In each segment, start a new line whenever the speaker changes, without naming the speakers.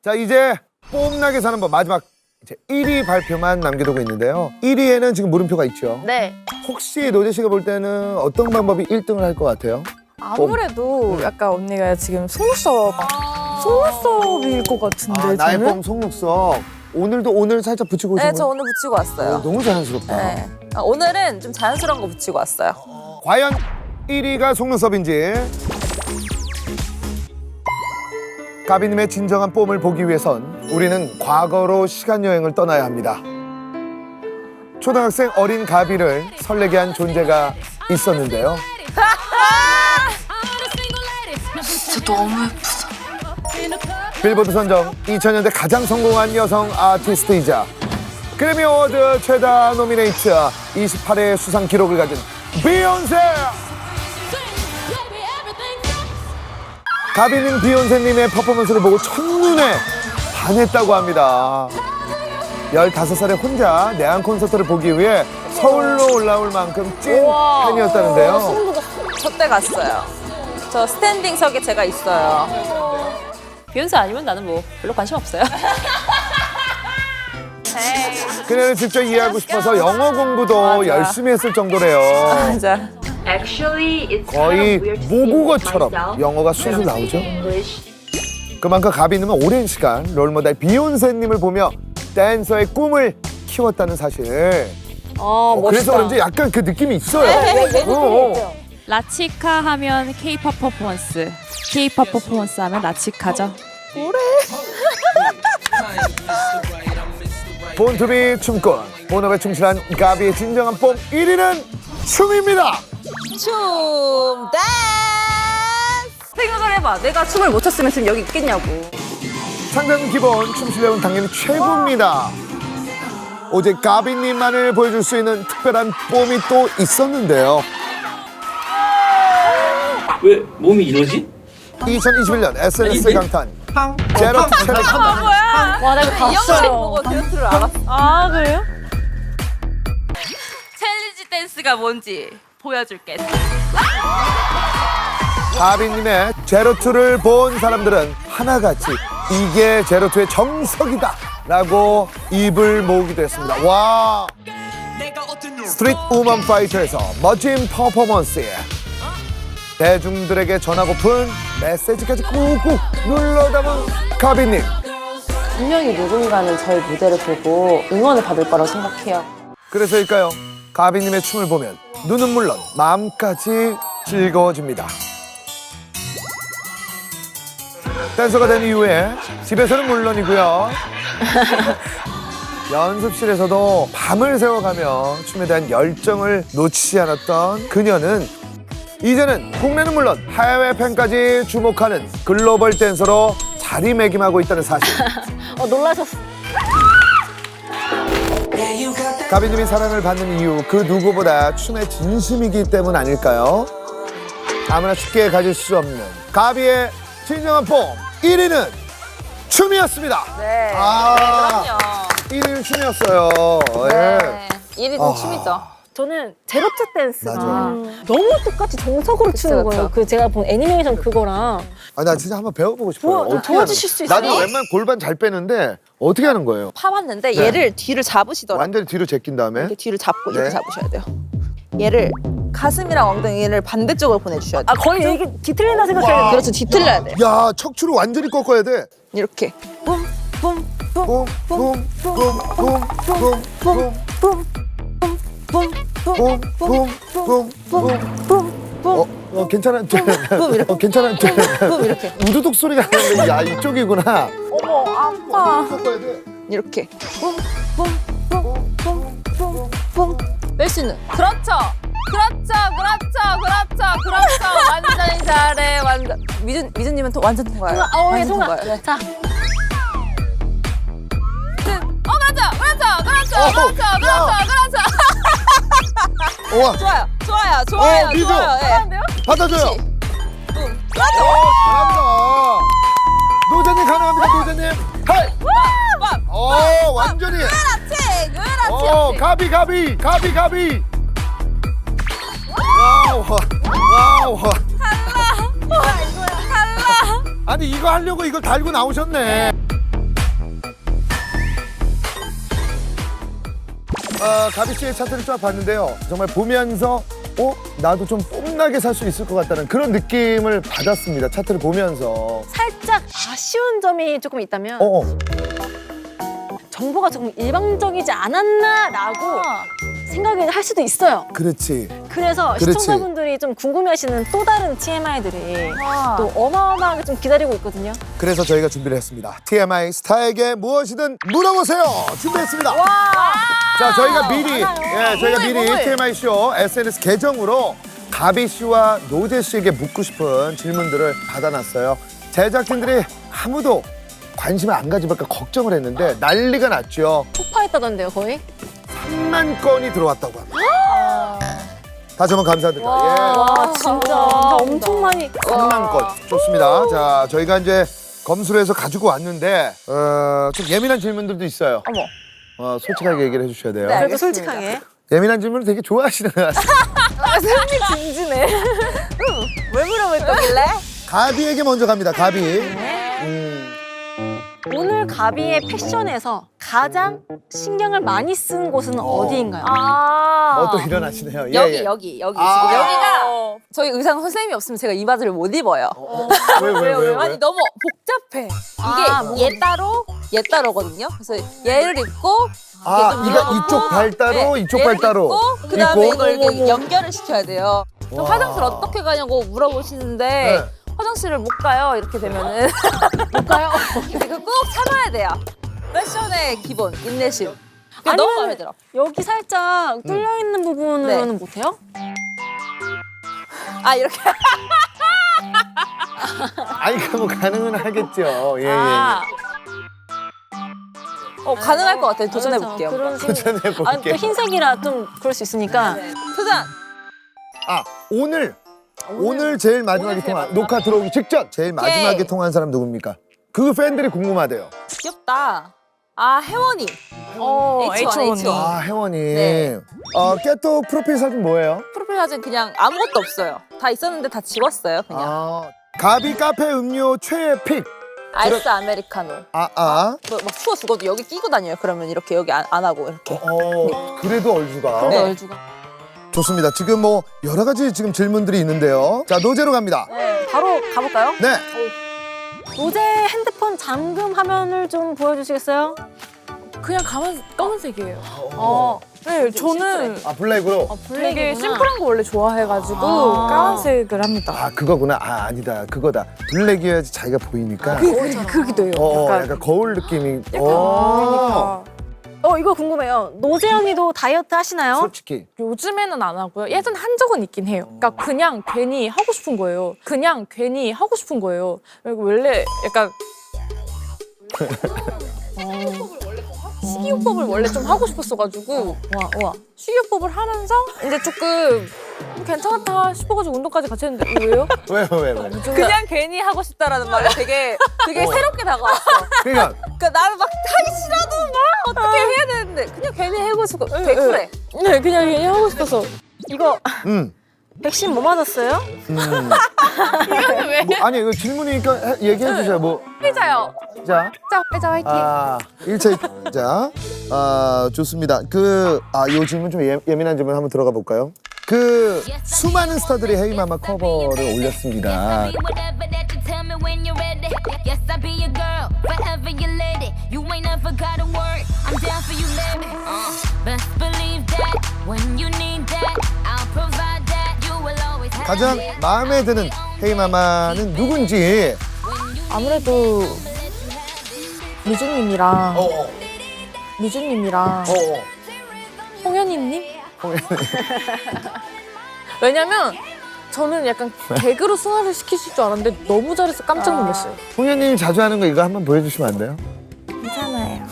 자, 이제 뽐나게 사는 법 마지막 이제 1위 발표만 남겨두고 있는데요. 1위에는 지금 물음표가 있죠.
네.
혹시 노재 씨가 볼 때는 어떤 방법이 1등을 할 것 같아요?
아무래도 약간 언니가 지금 속눈썹일 것 같은데
나의
저는?
봄 속눈썹. 오늘 살짝 붙이고 오신
네,
거예요?
저 오늘 붙이고 왔어요.
너무 자연스럽다.
네. 오늘은 좀 자연스러운 거 붙이고 왔어요.
과연 1위가 속눈썹인지 가비님의 진정한 뽐을 보기 위해선 우리는 과거로 시간여행을 떠나야 합니다. 초등학생 어린 가비를 설레게 한 존재가 있었는데요.
진짜 너무 예쁘다.
빌보드 선정 2000년대 가장 성공한 여성 아티스트이자 그래미 어워드 최다 노미네이트 28회 수상 기록을 가진 비욘세! 가비님 비욘세님의 퍼포먼스를 보고 첫눈에 반했다고 합니다. 15살에 혼자 내한 콘서트를 보기 위해 서울로 올라올 만큼 찐 팬이었다는데요.
저 때 갔어요. 저 스탠딩석에 제가 있어요.
비욘세 아니면 나는 뭐 별로 관심 없어요.
그녀를 직접 이해하고 싶어서 영어 공부도
맞아.
열심히 했을 정도래요.
맞아.
거의 모국어처럼 영어가 술술 나오죠. 그만큼 가비님은 오랜 시간 롤모델 비욘세님을 보며 댄서의 꿈을 키웠다는 사실. 그래서 그런지 약간 그 느낌이 있어요.
라치카 하면 K-pop 퍼포먼스, K-pop 퍼포먼스 하면 라치카죠.
본투비 춤꾼, 본업에 충실한 가비의 진정한 뽐 1위는 춤입니다.
춤 댄스! 생각을 해봐. 내가 춤을 못 췄으면 지금 여기 있겠냐고.
상단 기본 춤 실력은 당연히 최고입니다. 오직 가비님만을 보여줄 수 있는 특별한 뽐이 또 있었는데요.
왜 몸이 이러지?
2021년 SNS 강탄 제로 챌린지.
와, 나 이거
이 영상
봤어요.
보고 듀엣을 알았어.
아, 그래요?
챌린지 댄스가 뭔지 보여줄게.
가비님의 제로투를 본 사람들은 하나같이 이게 제로투의 정석이다 라고 입을 모으기도 했습니다. 와, 스트릿 우먼 파이터에서 멋진 퍼포먼스에 대중들에게 전하고픈 메시지까지 꾹꾹 눌러 담은 가비님.
분명히 누군가는 저희 무대를 보고 응원을 받을 거라고 생각해요.
그래서일까요? 가비님의 춤을 보면 눈은 물론 마음까지 즐거워집니다. 댄서가 된 이후에 집에서는 물론이고요. 연습실에서도 밤을 새워가며 춤에 대한 열정을 놓치지 않았던 그녀는 이제는 국내는 물론 해외 팬까지 주목하는 글로벌 댄서로 자리매김하고 있다는 사실.
놀라셨어.
가비님이 사랑을 받는 이유 그 누구보다 춤에 진심이기 때문 아닐까요? 아무나 쉽게 가질 수 없는 가비의 진정한 뽐 1위는 춤이었습니다.
네.
아,
그럼요.
1위는 춤이었어요.
네. 1위는 춤이죠.
저는 제로투 댄스가
맞아요.
너무 똑같이 정석으로 추는
그쵸.
거예요. 그 제가 본 애니메이션 그거랑.
아, 나 진짜 한번 배워보고 싶어요. 어떻게
도와주실
하는
수
거예요?
있어요?
나도 웬만하면 골반 잘 빼는데 어떻게 하는 거예요?
파봤는데
네.
얘를 뒤를 잡으시더라고요.
완전히 뒤로 제낀 다음에
이렇게 뒤를 잡고
네.
이렇게 잡으셔야 돼요. 얘를 가슴이랑 엉덩이를 반대쪽으로 보내주셔야 돼요.
아, 거의 이게 뒤틀린다 생각해요.
그렇죠. 뒤틀려야 돼요.
야, 척추를 완전히 꺾어야 돼.
이렇게.
괜찮아. 괜찮아.
이렇게.
우두둑 소리가 나는데 야, 이쪽이구나.
어머, 아파.
꺾어야 돼.
이렇게. 뺄 수 있는. 그렇죠. 완전히 잘해. 완전. 미준님은 또 완전 통과예요.
예,
완전
통과.
통과예요. 네.
자,
그렇죠.
우와,
좋아요.
미주.
예.
받아줘요. 잘한다. 노자님 가능합니다, 노자님. 하이. 완전히.
그렇지.
가비. 와우. 아니, 이거 하려고 이걸 달고 나오셨네. 가비 씨의 차트를 쫙 봤는데요. 정말 보면서 나도 좀 뽐나게 살 수 있을 것 같다는 그런 느낌을 받았습니다. 차트를 보면서.
살짝 아쉬운 점이 조금 있다면 정보가 조금 일방적이지 않았나라고 생각을 할 수도 있어요.
그렇지.
그래서
그렇지.
시청자분들이 좀 궁금해하시는 또 다른 TMI들이 또 어마어마하게 좀 기다리고 있거든요.
그래서 저희가 준비를 했습니다. TMI 스타에게 무엇이든 물어보세요. 준비했습니다. 자, 저희가 미리 TMI 쇼 SNS 계정으로 가비 씨와 노제 씨에게 묻고 싶은 질문들을 받아놨어요. 제작진들이 아무도 관심을 안 가지볼까 걱정을 했는데 난리가 났죠.
폭파했다던데요, 거의?
3만 건이 들어왔다고 합니다. 다시 한번 감사드립니다.
와, 진짜 엄청 많이.
3만 건. 좋습니다. 자, 저희가 이제 검수를 해서 가지고 왔는데 좀 예민한 질문들도 있어요.
어머.
솔직하게 얘기를 해주셔야 돼요.
네.
그래도
알겠습니다.
솔직하게.
예민한 질문을 되게 좋아하시는 것 같아요.
진지네.
왜 물어볼 거길래?
가비에게 먼저 갑니다. 가비.
오늘 가비의 패션에서 가장 신경을 많이 쓴 곳은 어디인가요?
또 일어나시네요.
여기.
아.
지금 여기가 저희 의상 선생님이 없으면 제가 이 바지를 못 입어요.
왜요?
아니 너무 복잡해. 이게 얘 따로거든요. 그래서 얘를 입고
이쪽 발 따로, 이쪽 발 따로.
그다음에
입고.
이걸 이렇게 연결을 시켜야 돼요. 저 화장실 어떻게 가냐고 물어보시는데
네.
화장실을 못 가요. 이렇게 되면은 못 가요. 이거 꼭 참아야 돼요. 패션의 기본 인내심. 그게 너무 마음에 들어.
여기 살짝 뚫려 있는 부분으로는
네.
못해요?
이렇게.
아니, 뭐 가능은 하겠죠. 예.
가능할 것 같아요. 도전해 볼게요.
그런
도전해볼게요.
아니, 또 흰색이라 좀 그럴 수 있으니까.
도전.
오늘 제일 마지막에 통한 녹화 들어오기 직전 제일 마지막에 통한 사람 누굽니까? 그 팬들이 궁금하대요.
귀엽다. 혜원이. H1.
혜원이.
네.
깨또 프로필 사진 뭐예요?
프로필 사진 그냥 아무것도 없어요. 다 있었는데 다 지웠어요. 그냥.
가비 카페 음료 최애 픽.
아이스 아메리카노. 막 추워 죽어도 여기 끼고 다녀요. 그러면 이렇게 여기 안 하고 이렇게.
그래도 얼주가.
네.
얼주가.
좋습니다. 지금 뭐 여러 가지 지금 질문들이 있는데요. 자, 노제로 갑니다.
바로 가볼까요?
네.
노제 핸드폰 잠금 화면을 좀 보여주시겠어요?
그냥 검은색이에요.
네,
저는
블랙으로.
되게
블랙이구나.
심플한 거 원래 좋아해가지고 까만색을 합니다.
그거구나. 아니다. 그거다. 블랙이어야지 자기가 보이니까.
그기도 해요.
약간 거울 느낌이.
그러니까
이거 궁금해요. 노제 언니도 다이어트 하시나요?
솔직히.
요즘에는 안 하고요. 예전 한 적은 있긴 해요. 그러니까 그냥 괜히 하고 싶은 거예요. 그리고 원래 약간 식이요법을 원래 좀 하고 싶었어가지고 식이요법을 하면서 이제 조금 괜찮다 싶어가지고 운동까지 같이 했는데 왜요?
왜요?
그냥 괜히 하고 싶다라는 말이 되게 새롭게 다가왔어.
그러니까
그러니까 나는 막 하기 싫어도 막 어떻게 해야 되는데 그냥 괜히 해보고 싶고 되게 그래.
네, 그냥 괜히 하고 싶어서.
이거 백신 뭐 맞았어요?
아니 이거 질문이니까 얘기해 주세요. 뭐
피자요.
자,
피자 화이팅.
1차 자, 좋습니다. 요 질문 좀 예민한 질문 한번 들어가 볼까요? 수많은 스타들이 헤이마마 커버를 올렸습니다. 가장 마음에 드는 헤이마마는 누군지.
아무래도 미주님이랑 홍현희님? 왜냐면 저는 약간 개그로 승화를 시키실 줄 알았는데 너무 잘해서 깜짝 놀랐어요.
홍현님이 자주 하는 거 이거 한번 보여주시면 안 돼요?
괜찮아요.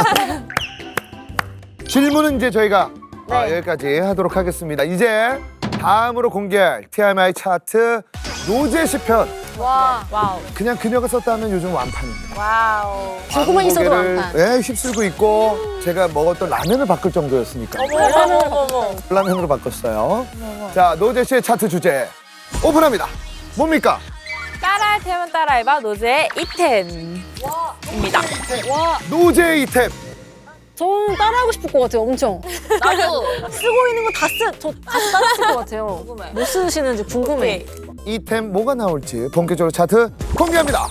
질문은 이제 저희가 여기까지 하도록 하겠습니다. 이제 다음으로 공개할 TMI 차트 노제 시편.
와우.
그냥 그녀가 썼다면 요즘 완판입니다.
와우.
들고만 있어도
고개를,
완판.
휩쓸고 있고 제가 먹었던 라면을 바꿀 정도였으니까.
어머.
라면으로 바꿨어요. 자, 노제 씨의 차트 주제 오픈합니다. 뭡니까?
따라할 테면 따라해봐 노제의 이템입니다.
노제 이템.
저는 따라하고 싶을 것 같아요, 엄청.
나도
쓰고 있는 거 저 다시 따라 쓸 것 같아요.
궁금해.
뭐 쓰시는지 궁금해.
이템 뭐가 나올지 본격적으로 차트 공개합니다.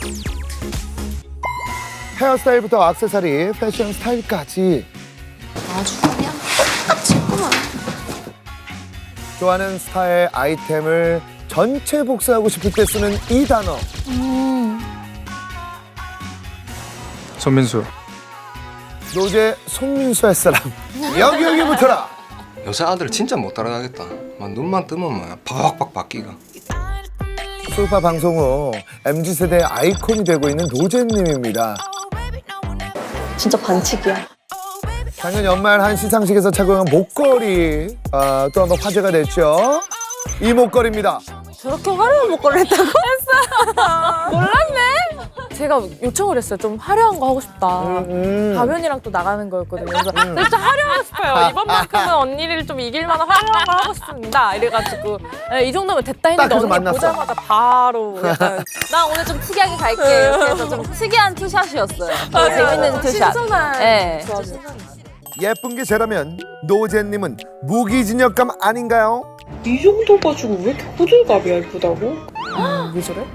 헤어스타일부터 액세서리, 패션 스타일까지
아주 그냥 똑같지구만.
좋아하는 스타일 아이템을 전체 복사하고 싶을 때 쓰는 이 단어.
손민수.
노제 손민수 할 사람 여기 붙어라.
요새 아들 진짜 못 따라가겠다. 막 눈만 뜨면 막 팍팍 바뀌가.
솔파 방송 후 MZ세대의 아이콘이 되고 있는 노제님입니다.
진짜 반칙이야.
작년 연말 한 시상식에서 착용한 목걸이 또 한번 화제가 됐죠. 이 목걸이입니다.
저렇게 화려한 목걸이를 했다고?
제가 요청을 했어요. 좀 화려한 거 하고 싶다. 가면이랑 또 나가는 거였거든요. 그래서 진짜 화려하고 싶어요. 이번만큼은 언니를 좀 이길 만한 화려한 거 하고 싶습니다. 이래가지고 네, 이 정도면 됐다 했는데
딱 그래서
언니
만났어.
보자마자 바로 약간
나 오늘 좀 특이하게 갈게. 이렇게 해서 좀 특이한 투샷이었어요. 재밌는 투샷.
신선한
네.
조합이에요.
예쁜 게 죄라면 노제님은 무기징역감 아닌가요?
이 정도 가지고 왜 이렇게 호들갑이야 예쁘다고?
왜 저래?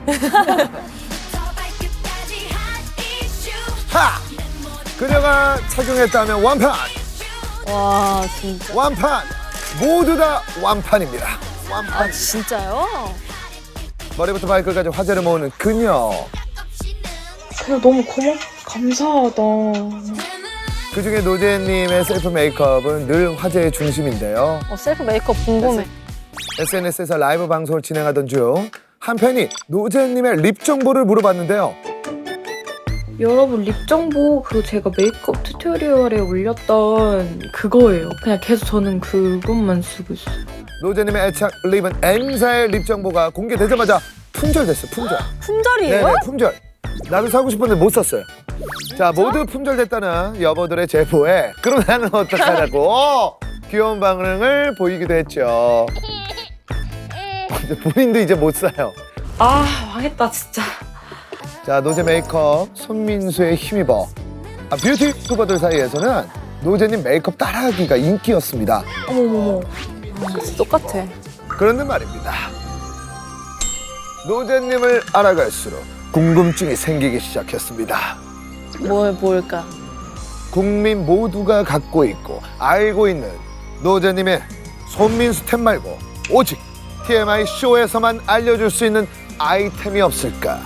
하! 그녀가 착용했다면 완판!
와, 진짜.
완판! 모두 다 완판입니다. 완판.
아, 진짜요?
머리부터 발끝까지 화제를 모으는 그녀.
그냥 너무 감사하다.
그중에 노제님의 셀프 메이크업은 늘 화제의 중심인데요.
셀프 메이크업 궁금해.
SNS에서 라이브 방송을 진행하던 중 한 팬이 노제님의 립 정보를 물어봤는데요.
여러분 립 정보 그리고 제가 메이크업 튜토리얼에 올렸던 그거예요. 그냥 계속 저는 그것만 쓰고 있어요.
노제님의 애착 립은 N사의 립 정보가 공개되자마자 품절됐어요. 품절.
품절이에요?
네네, 품절. 나도 사고 싶었는데 못 샀어요. 자, 모두 품절됐다는 여보들의 제보에 그럼 나는 어떡하냐고 귀여운 반응을 보이기도 했죠. 본인도 이제 못 사요.
아 망했다 진짜.
자, 노제 메이크업 손민수에 힘입어 뷰티 유튜버들 사이에서는 노제님 메이크업 따라하기가 인기였습니다.
어머머머. 진짜 똑같아.
그런데 말입니다. 노제님을 알아갈수록 궁금증이 생기기 시작했습니다.
뭘까?
국민 모두가 갖고 있고 알고 있는 노제님의 손민수 템 말고 오직 TMI 쇼에서만 알려줄 수 있는 아이템이 없을까?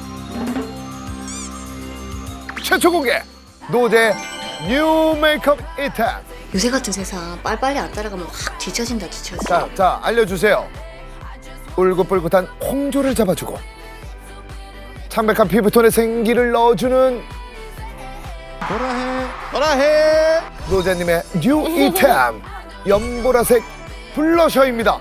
최초 공개! 노제 뉴 메이크업 이템!
요새 같은 세상 빨리빨리 안 따라가면 확 뒤처진다.
자, 알려주세요. 울긋불긋한 홍조를 잡아주고 창백한 피부톤에 생기를 넣어주는 보라해 노제님의 뉴 이템 연보라색 블러셔입니다.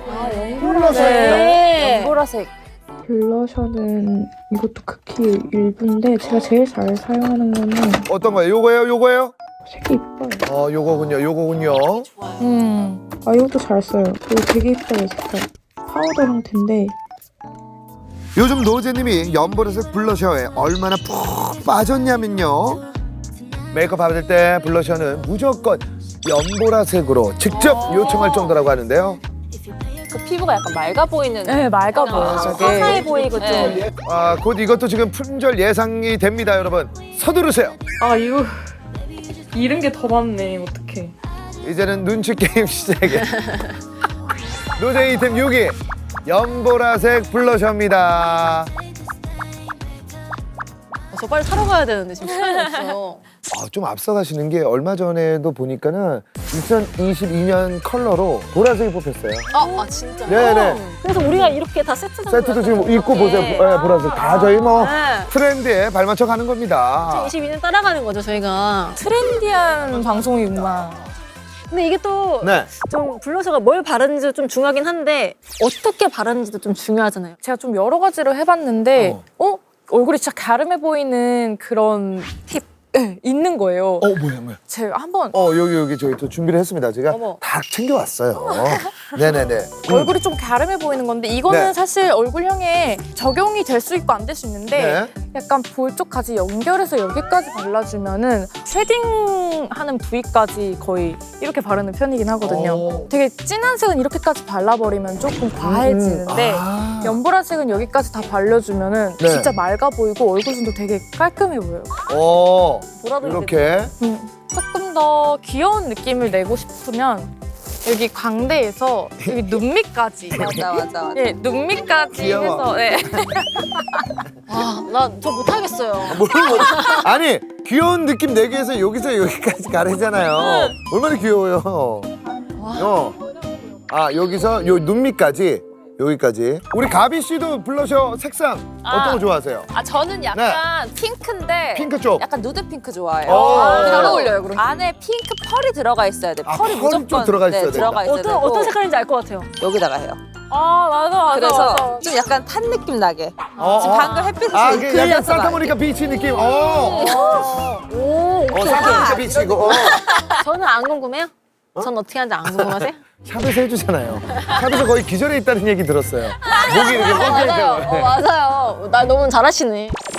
네.
보라색.
블러셔는 이것도 극히 일부인데 제가 제일 잘 사용하는 거는
어떤 거예요? 요거예요?
색이 이뻐요.
요거군요.
아 이것도 잘 써요. 이거 되게 이뻐요 색깔. 파우더 형태인데
요즘 노제님이 연보라색 블러셔에 얼마나 푹 빠졌냐면요. 메이크업 받을 때 블러셔는 무조건 연보라색으로 직접 요청할 정도라고 하는데요.
그 피부가 약간 맑아 보이는.
네 맑아 보여요 저게.
화사해 보이고 좀.
네.
곧 이것도 지금 품절 예상이 됩니다, 여러분. 서두르세요.
아 이거 이런 게 더 많네 어떡해.
이제는 눈치 게임 시작이에요. 노제 이템 6위 연보라색 블러셔입니다.
저 빨리 사러 가야 되는데 지금 시간이 없어요.
좀 앞서가시는 게 얼마 전에도 보니까는 2022년 컬러로 보라색이 뽑혔어요.
아 진짜요?
네네.
그래서 우리가 이렇게 다 세트장
세트도 지금 입고 보세요. 네, 보라색. 다 저희 뭐
네.
트렌드에 발맞춰 가는 겁니다.
22년 따라가는 거죠 저희가.
트렌디한 방송이구나.
근데 이게 또
네.
좀 블러셔가 뭘 바르는지도 좀 중요하긴 한데 어떻게 바르는지도 좀 중요하잖아요.
제가 좀 여러 가지로 해봤는데 얼굴이 진짜 갸름해 보이는 그런 팁 네, 있는 거예요.
뭐야.
제가 한번
여기 저희 또 준비를 했습니다. 제가
어머.
다 챙겨왔어요. 네네네.
얼굴이 좀 갸름해 보이는 건데 이거는
네.
사실 얼굴형에 적용이 될 수 있고 안 될 수 있는데 약간 볼 쪽까지 연결해서 여기까지 발라주면은 쉐딩하는 부위까지 거의 이렇게 바르는 편이긴 하거든요. 되게 진한 색은 이렇게까지 발라버리면 조금 과해지는데 연보라 색은 여기까지 다 발려주면은
네.
진짜 맑아 보이고 얼굴선도 되게 깔끔해 보여요.
이렇게.
조금 더 귀여운 느낌을 내고 싶으면 여기 광대에서 여기 눈 밑까지
맞아.
예, 눈 밑까지
귀여워.
해서 예.
나 저 못하겠어요.
아니 귀여운 느낌 내기 위해서 여기서 여기까지 가르잖아요. 얼마나 귀여워요. 여기서 요 눈 밑까지 여기까지. 우리 가비 씨도 블러셔 색상 어떤 거 좋아하세요?
저는 약간 핑크인데
핑크 쪽.
약간 누드 핑크 좋아해요.
잘 어울려요, 그럼.
안에 핑크 펄이 들어가 있어야 돼. 펄이
펄이
무조건
좀 들어가 있어야 된다.
들어가 있어야 되고
어떤 색깔인지 알 것 같아요.
여기다가 해요.
맞아.
그래서 좀 약간 탄 느낌 나게. 지금 방금 햇빛을
약간
그려서
산타모니카 비치 느낌.
오케이.
산타모니카 비치고.
저는 안 궁금해요? 전 어떻게 하는지 안 궁금하세요?
샵에서 해주잖아요. 샵에서 거의 기절해 있다는 얘기 들었어요. 목이 이렇게 뻥
맞아요. 나 너무 잘하시네.